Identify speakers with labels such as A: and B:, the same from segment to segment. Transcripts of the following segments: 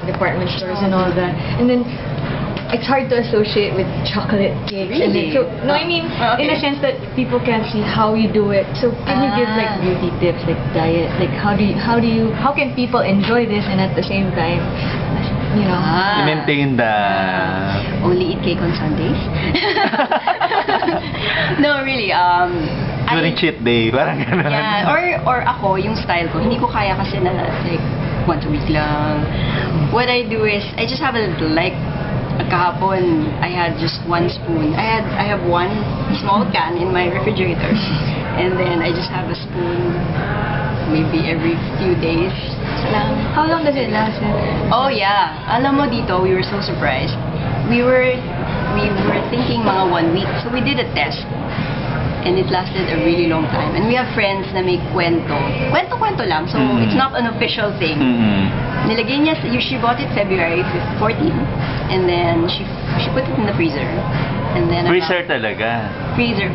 A: department stores and all that. And then it's hard to associate with chocolate cakes. And then, so, no, I mean, in a sense that people can't see how you do it. So can you give like beauty tips, like diet, like how can people enjoy this and at the same time, you know,
B: maintain the
C: only eat cake on Sundays? No, really.
B: during cheat day, parang gano'n.
C: Yeah, or ako, yung style ko, hindi ko kaya kasi na like once a week lang. What I do is, I just have a little, like, kahapon, I had just one spoon. I have one small can in my refrigerator. And then I just have a spoon maybe every few days.
A: how long does it last?
C: Oh yeah. Alam mo dito, we were so surprised. We were thinking mga 1 week. So we did a test. And it lasted a really long time. And we have friends na may kwento. Kwento-kwento lang. So it's not an official thing. Nilagay niya, she bought it February 14. And then she put it in the freezer. And then
B: Freezer talaga.
C: Freezer.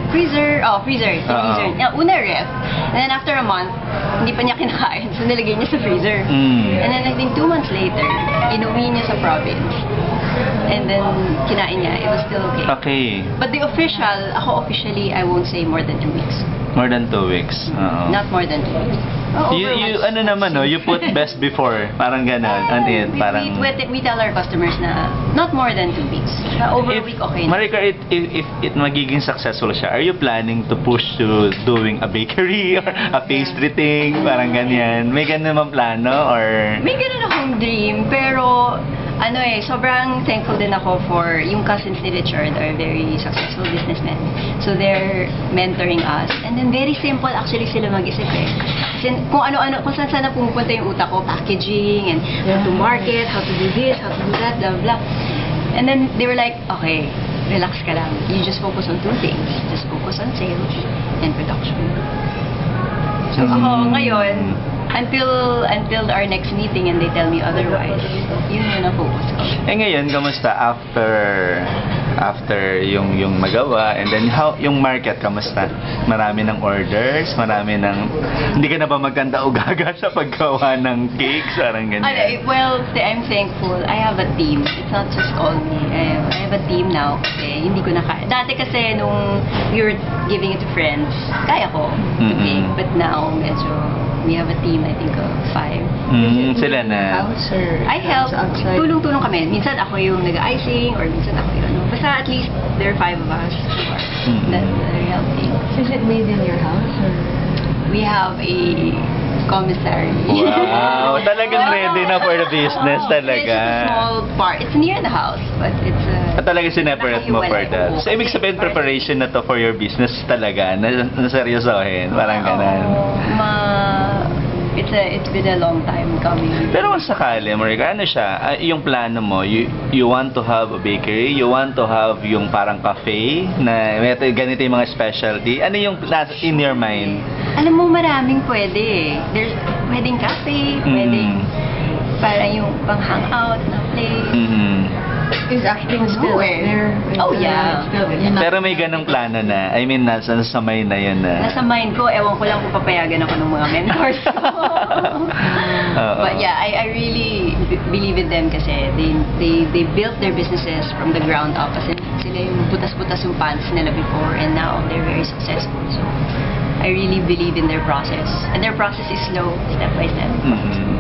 C: Una ref. And then after a month, hindi pa niya kinakain. So nilagay niya sa freezer. And then I think 2 months later, inuwi niya sa province. And then kinain niya. It was still okay.
B: Okay.
C: But the ako officially, I won't say more than 2 weeks.
B: More than 2 weeks.
C: Not more than 2 weeks.
B: You ano naman, no? You put best before. Parang gano'n. And it, parang...
C: We tell our customers na not more than 2 weeks. Over a week, okay na.
B: Marika, if it magiging successful siya, are you planning to push to doing a bakery or a pastry thing? Parang ganyan. May ganun naman plano or...
C: May ganun akong dream, pero sobrang thankful din ako for yung cousins ni Richard are very successful businessmen. So they're mentoring us. And then very simple actually sila mag-isip eh. Kasi kung ano-ano, kung saan na pumupunta yung utak ko, packaging and how to market, how to do this, how to do that, blah, blah. And then they were like, okay, relax ka lang. You just focus on 2 things. Just focus on sales and production. So ako ngayon, until our next meeting and they tell me otherwise, yun yung na-focus ko.
B: Ngayon, kamusta after yung magawa and then how yung market kamusta? Marami ng orders, hindi ka na ba magkanda o gaga sa paggawa ng cakes, parang ganyan?
C: Well, I'm thankful. I have a team. It's not just all me. I have a team now kasi hindi ko na kaya. Dati kasi nung we were giving it to friends, kaya ko to bake, but now medyo we have a team, I think, of 5.
B: Sila na.
C: I help. Tulong-tulong kami. Minsan ako yung nag-icing or minsan ako yung Basta at least there are 5 of us that are helping.
A: Is it made in your house? Or?
C: We have a commissary.
B: Wow! Talagang ready na for the business talaga.
C: It's a small part. It's near the house, but it's
B: talagang sineparate mo for that. So, ibig sabihin preparation na to for your business talaga, na seryosohin, parang ganun.
C: It's been a long time coming.
B: Pero kung sakali, Marika, ano siya, yung plano mo, you want to have a bakery, you want to have yung parang cafe, na ganito yung mga specialty, ano yung in your mind?
C: Alam mo, maraming pwede. There's pwedeng cafe, pwedeng parang yung pang hangout na place.
A: Is acting still there?
C: Oh yeah.
B: Pero may ganong plano na. I mean, nasa may na yun na.
C: Nasa mind ko, ewan ko lang kung papayagan ako ng mga mentors. But yeah, I really believe in them kasi they built their businesses from the ground up. Kasi sila yung butas-butas yung pants nila before and now they're very successful. So I really believe in their process. And their process is slow, step by step.